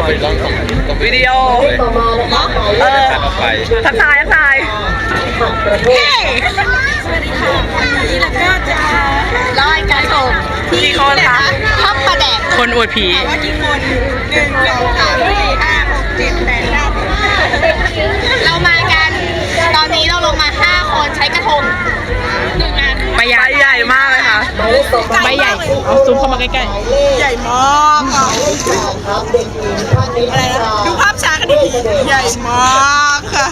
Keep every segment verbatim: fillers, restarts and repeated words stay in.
วิดีโอเออทักทายทักทายสวัสดีค่ะวันนี้เราก็จะลอยกระทงกี่คนคะทับประแดกคนอวดผีถามว่ากี่คนหนึ่งสองสามสี่ห้าหกเจ็ดแปดเก้าเรามากันตอนนี้เราลงมาห้าคนใช้กระทงหนึ่งอันใบใหญ่ใหญ่มากเลยค่ะใบใหญ่เอาซูมเข้ามาใกล้ใหญ่มากอ่ะอะไรนะดูภาพช้ากันดีใหญ่มากค่ะ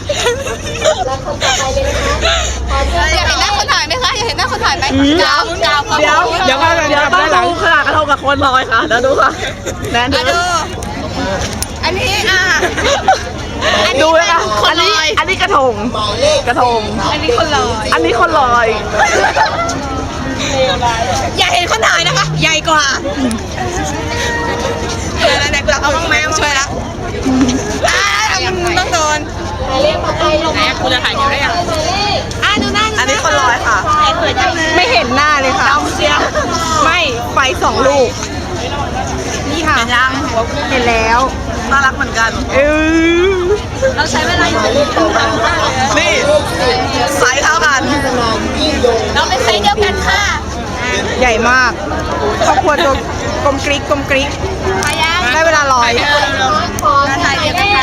อยากเห็นหน้าคนถ่ายไหมคะอยากเห็นหน้าคนถ่ายไหมยาวยาวๆเดี๋ยวเดี๋ยวเดี๋ยวต้องดูขนาดกระทงกับคนลอยค่ะเดี๋ยวดูค่ะแนนอ่ะดูดูอันนี้อ่ะดูเลยค่ะคอันนลนี้อยอันนี้กระทงกระทงอันนี้คนลอยอันนี้คนลอยอยากเห็นคนถ่ายนะคะ ใหญ่กว่าเดี๋ยวไหนๆกูเอาบ้างแมวช่วยละอ่ามันต้องโดนไหนกูจะถ่ายเดี๋ยวได้ยังอ่าดูหน้าอันนี้คนลอยค่ะไม่เห็นหน้าเลยค่ะเชียไม่ไฟสองลูกนี่ค่ะเห็นยังเห็นแล้วน่ารักเหมือนกันเออเราใช้เวลาอยู่นี่ไซส์เท่ากันเราเป็นไซส์เดียวกันค่ะ ใหญ่มากครอบครัวตัวกลมกริ๊กกลมกริ๊กได้เวลาลอยถ่ายเดียวกันค่ะ